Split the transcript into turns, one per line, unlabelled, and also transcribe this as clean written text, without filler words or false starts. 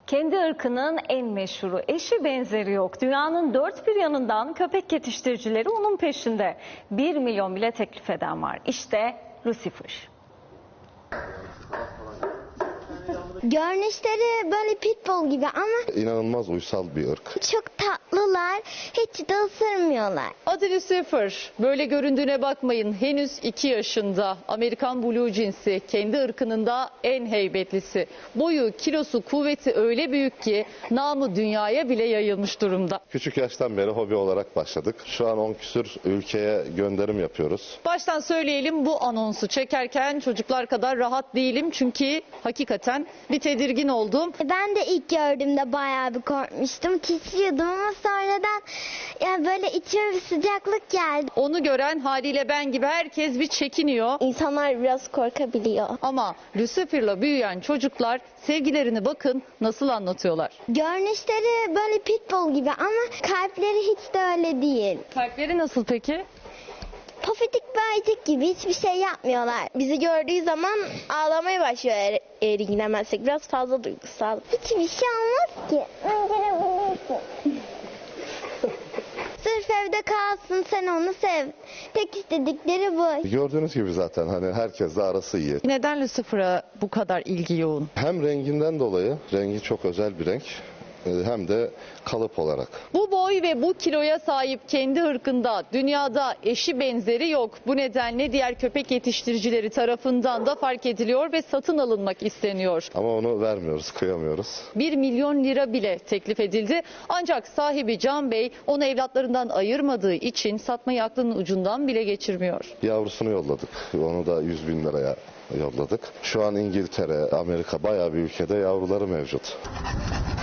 Kendi ırkının en meşhuru, eşi benzeri yok. Dünyanın dört bir yanından köpek yetiştiricileri onun peşinde. 1 milyon bile teklif eden var. İşte Lucifer.
Görünüşleri böyle pitbull gibi ama
İnanılmaz uysal bir ırk.
çok tatlılar, hiç de ısırmıyorlar.
Adı Lucifer. Böyle göründüğüne bakmayın. Henüz 2 yaşında. Amerikan Blue cinsi. Kendi ırkının da en heybetlisi. Boyu, kilosu, kuvveti öyle büyük ki namı dünyaya bile yayılmış durumda.
Küçük yaştan beri hobi olarak başladık. Şu an 10 küsür ülkeye gönderim yapıyoruz.
Baştan söyleyelim, bu anonsu çekerken çocuklar kadar rahat değilim. Çünkü hakikaten bir tedirgin oldum.
Ben de ilk gördüğümde bayağı bir korkmuştum. Titriyordum ama sonradan yani böyle içime bir sıcaklık geldi.
Onu gören haliyle ben gibi herkes bir çekiniyor.
İnsanlar biraz korkabiliyor.
Ama Lucifer'la büyüyen çocuklar sevgilerini bakın nasıl anlatıyorlar.
Görünüşleri böyle pitbull gibi ama kalpleri hiç de öyle değil.
Kalpleri nasıl peki?
Pofidik bir ayıcık gibi hiçbir şey yapmıyorlar. Bizi gördüğü zaman ağlamaya başlıyor eğer ilgilenmezsek. Biraz fazla duygusal. Hiçbir şey olmaz ki. Öldürebilirsin. Sırf evde kalsın, sen onu sev. Tek istedikleri bu.
Gördüğünüz gibi zaten hani herkesle arası iyi.
Neden Lucifer'a bu kadar ilgi yoğun?
Hem renginden dolayı, rengi çok özel bir renk, hem de kalıp olarak.
Bu boy ve bu kiloya sahip kendi ırkında dünyada eşi benzeri yok. Bu nedenle diğer köpek yetiştiricileri tarafından da fark ediliyor ve satın alınmak isteniyor.
Ama onu vermiyoruz, kıyamıyoruz.
1 milyon lira bile teklif edildi. Ancak sahibi Can Bey onu evlatlarından ayırmadığı için satmayı aklının ucundan bile geçirmiyor.
Yavrusunu yolladık. Onu da 100 bin liraya yolladık. Şu an İngiltere, Amerika bayağı bir ülkede yavruları mevcut.